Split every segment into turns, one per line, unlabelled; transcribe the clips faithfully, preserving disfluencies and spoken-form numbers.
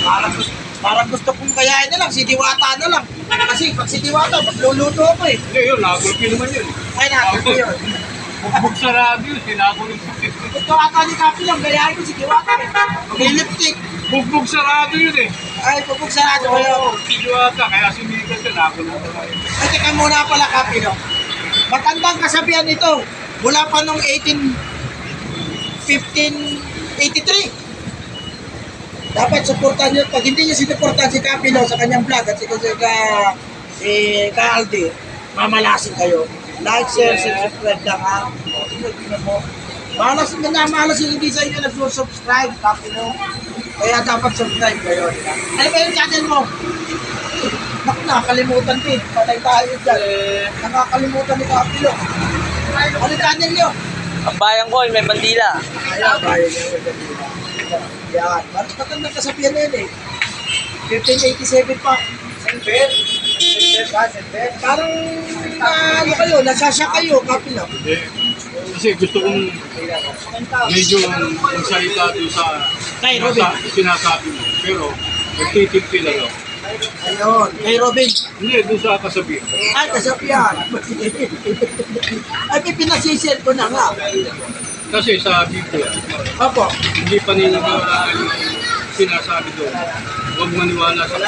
Parang, parang gusto kong kayain na lang, si Diwata na lang. Kasi pag si Diwata, magluluto ako eh.
Hindi, yun, nagulpi naman yun.
Ay, natin ko yun.
Bugbog sa radyo, sinagulpi.
Ito ata ni Kapi lang, gayahin ko si Diwata eh. Mag-lipstick.
Bugbog sa radyo yun eh.
Ay, pupug sarado kayo.
Oo, si Diwata, kaya sumikat siya, nagulpi naman.
Ay, teka muna pala Kapi, no? Matandang kasabihan ito. Mula pa noong eighteen fifteen eighty-three. Dapat supportan nyo. Pag hindi nyo sinuportan si Kapi no, sa kanyang vlog at si, si, ka, si Ka Aldi, mamalasin kayo. Like, share, subscribe lang ha. Tingnan mo. Malas na malas yung hindi sa inyo nag-subscribe, Kapi no. Kaya dapat subscribe kayo. Diba? Ano ba yung channel mo? Naku, nakakalimutan din. Patay tayo dyan. Nakakalimutan ni Kapi no. Ano channel nyo?
Ang bayan ko, may bandila.
Ayan, bayan nyo. Yan. Bakit matandang kasabihan na yun eh. fifteen eighty-seven pa. Senper? Senper ba? Senper? Parang na, ano kayo, nasasya kayo, Kapi lang.
Hindi. Kasi gusto kong medyo magsalita doon sa
Kay Robin.
nasa- sinasabi mo. Pero, nagtitimpi lang ako.
Ayun, kay Robin.
Hindi, doon sa kasabihan.
Ay, kasabihan. Ay, pinasisir ko na nga.
Kasi sa Biblia,
Opo.
hindi pa ninagawa yung sinasabi doon. Huwag maniwala sa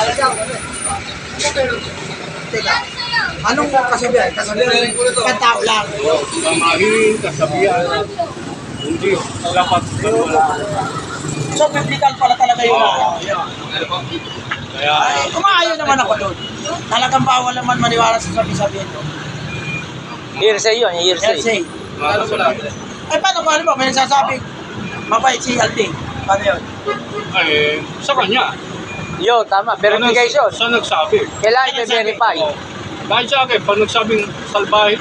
Teka. Anong kasabihan? Kasabihan, pantao lang.
pamahiin, kasabihan. Hindi, dapat maniwala.
So, biblical pala talaga yun.
Kaya,
Ay, umaayon naman ako doon. Talagang bawal naman maniwala sa sabi-sabihin ko.
Hearsay yun, hearsay.
Let's say.
mahal sa lahat.
Ay, paano ba? Ano ba? May nagsasabi, mabait si Aldi. Paano yun?
Ay, sa kanya.
Yun, tama. Verification.
Sa nagsabi.
Kailangan i-verify.
Oh. Dahil sa akin, pag nagsabing salbahe,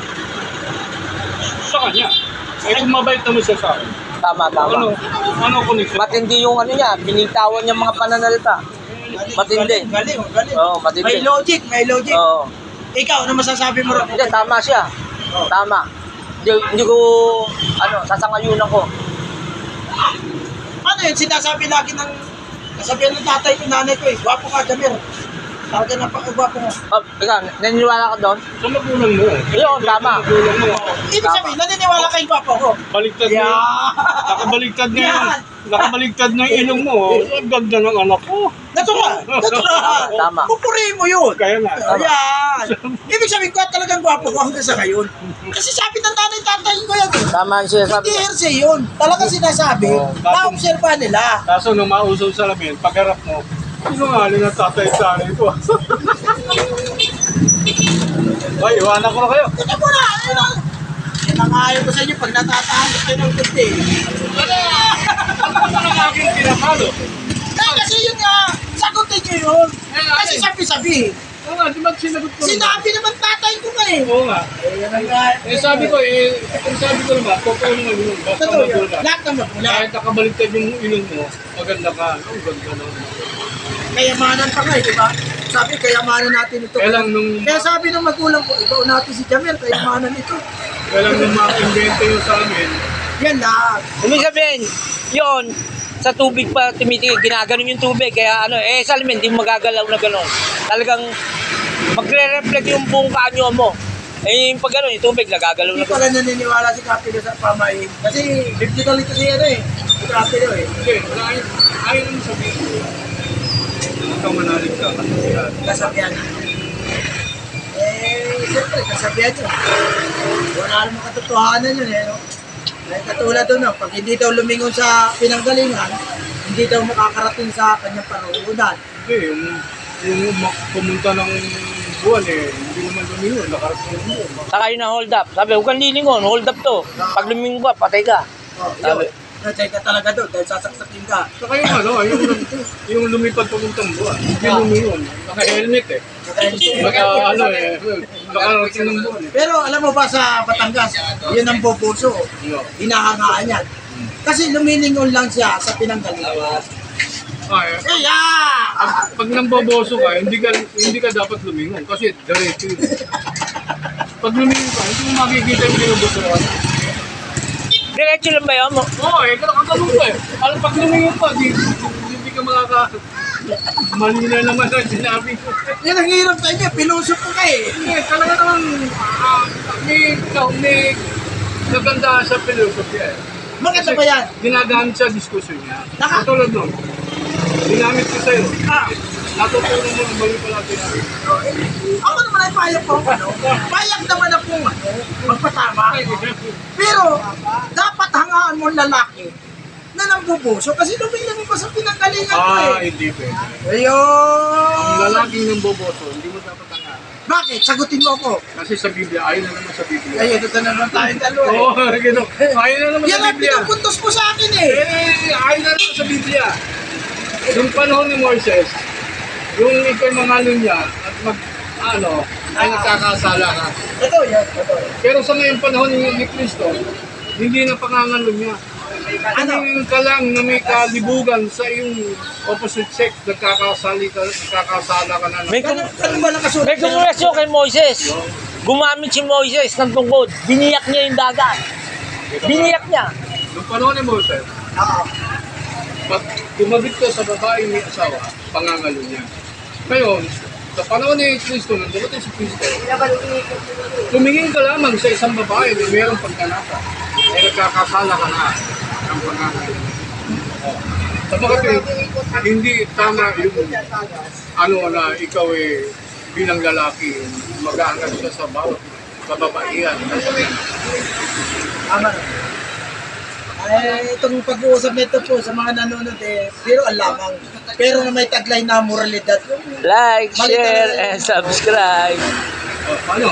sa kanya. Eh kung mabait naman siya sa akin.
Tama,
Ano,
tama.
ano connection?
Matindi yung ano niya, binitawan niya mga pananalita. Matindi.
Galing, galing. galing.
Oo, matindi.
May logic, may logic.
Oo.
Ikaw, ano masasabi mo rin?
Hindi, tama siya. Tama. Hindi, hindi ko, ano, sasangayunan ko.
Ano yun? Sinasabi lagi ng, kasabihan ng tatay ko, nanay ko eh, gwapo ka, Jamir. Talaga napakagwapo mo.
Oh, ikaw, naniniwala ka doon?
Sa magulang mo.
Yun, tama.
Sa magulang mo.
Ibig sabihin, naniniwala kayong gwapo ko.
Baligtad na
Yeah.
yun. Nakabaligtad na yun.
Yan.
Nakabaligtad na yung ilong mo. Ang ganda ng anak ko.
Natural. Natural.
Tama.
Pupurihin mo yun.
Kaya nga.
Ayan. Ibig sabihin ko, talagang gwapo ko hanggang sa ngayon. Kasi sabi ng nanay tatay ko yan. eh.
Tama ang sinasabi
Hindi
ko.
hearsay yun. Talagang sinasabi,
Oo.
na-observa nila.
Kaso nung mausaw sa lamin, pagharap mo, sinungaling ang tatay sa akin ko. Ay, iwanan ko na kayo.
Ito mo na. Ano? Nangayon ko sa inyo pag natatahanap kayo ng kundi.
Ano ba ang aking pinapalo?
Eh, kasi yun nga, sagutin nyo yun. Kasi sabi-sabi.
Oo nga, di ba sinagot ko naman?
Sinabi naman tatay ko nga eh.
Oo nga.
Eh, yan ang nga.
Eh sabi ko, eh, kung sabi ko naman, totoo naman yun. Basta
Totoo yun.
magulang.
Lahat naman mula.
Kahit nakabaliktad yung ilong mo, maganda ka. Ang ganda naman.
Kayamanan pa nga eh, di ba? Sabi, kayamanan natin ito.
Kaya lang nung,
Kaya sabi ng magulang ko, ikaw natin si Jamir, kayamanan ito.
kaya lang nung mga-invento yun sa amin,
Yan lahat.
Ibig sabihin, yun, sa tubig pa tumitingin, ginaganon yung tubig. Kaya ano, eh sa alamin, hindi mo magagalaw na gano'n. Talagang magre-reflect yung buong kanyo mo. Eh yung pag gano'n, yung tubig, nagagalaw
Hindi
na gano'n.
pala naniniwala si Kapilo sa pamahin. Kasi biblical ito siya ano eh. Si Kapilo eh.
hindi, wala ayaw, ayaw naman sabihin ko. Ikaw manalig ka, kasi yan.
Kasabihan. Eh, siyempre, kasabihan yun. Wala naman katotohanan yun eh. No? Ay, katulad doon, no? Pag hindi daw lumingon sa pinanggalingan, hindi daw makakarating sa kanyang panuunan.
Hindi, yung, yung ma- pumunta ng buwan eh, hindi naman lumingon, nakarating ng buwan.
Saka yun na hold up. Sabi, huwag kang lilingon, hold up to. Pag lumingon ka, patay ka.
Oh,
Sabi.
yun. Na-check ka talaga doon dahil sasaksakin ka.
Saka yung ano, yung, yung lumipad papuntang buwan, hindi lumingon, naka-helmet eh. Baka ano eh, nakarating ng buwan eh.
Pero alam mo ba sa Batangas, yun ang boboso.
No.
Hinahangaan yan. Kasi lumilingon lang siya sa pinanggalingan.
Ay,
Kaya!
pag, pag namboboso ka, hindi ka hindi ka dapat lumingon kasi diretso yun. Pag lumingon ka, hindi mo makikita yung binuboso ka.
Diretso lang ba yun mo?
Oo eh, kakakalong ka eh. Alam, pag lumingon ka, di, di, hindi ka makaka... Mali na naman ang sinabi ko.
Yan ang hirap sa inyo, pinuso ko ka eh.
Hindi, talaga naman, ah, may, may naganda sa philosophy eh.
Maganda ba yan?
Ginagamit sa diskusyon niya.
Naka-
Katulad nun, ginamit ko sa'yo.
Ah,
Natutunan mo ng mali pala sinabi.
ako naman ay payag po ano. Payag naman na pong ano, magpatama. Pero, dapat hangaan mo ang lalaki na nambubuso kasi lumilang pa sa pinanggalingan ko
Ah,
eh.
hindi pwede. Ang
Ayun!
lalaking ng boboto, hindi mo dapat tangahan.
Bakit? Sagutin mo ako.
Kasi sa Biblia, ayaw na naman sa Biblia.
Ayun, ito na naman tayong dalawa eh.
Oo, gano'n. Ayaw na naman
Yan
sa
ang
Biblia.
pinupuntos mo sa akin eh.
Eh, ayaw na naman sa Biblia. Yung panahon ni Moises, yung ikay mangalon niya at mag, ano, ay nagkakasala ka.
Ito yan, ito.
Pero sa ngayong panahon ni, ni Kristo, hindi na pangangalon niya.
Ano?
Tumingin ka lang na may kalibugan sa iyong opposite sex, nagkakasali ka, nagkakasala ka na.
May,
Ganun,
kum-
ganun ba nakasulat?
may kumulasyon kay Moises. Gumamit si Moises ng tungkod. Biniyak niya yung dagat. Biniyak niya.
Yung panahon ni Moses,
Oo.
pag tumabit ka sa babae may asawa, pangangalo niya. Ngayon, sa panahon ni Kristo, nang dumating si Kristo, tumingin ka lamang sa isang babae na mayroong pagkanasa, ay nagkakasala ka na ng pangangalo. Sa mga kapatid, hindi tama yung ano na ikaw eh, bilang lalaki, mag-aangat ka sa bawat kababaihan.
Tama. Ay, itong pag-uusap nito po sa mga nanonood eh, pero ang lamang. Pero na may taglay na moralidad.
Like,
Mali
share,
talaga yun.
and subscribe.
Oh, paano?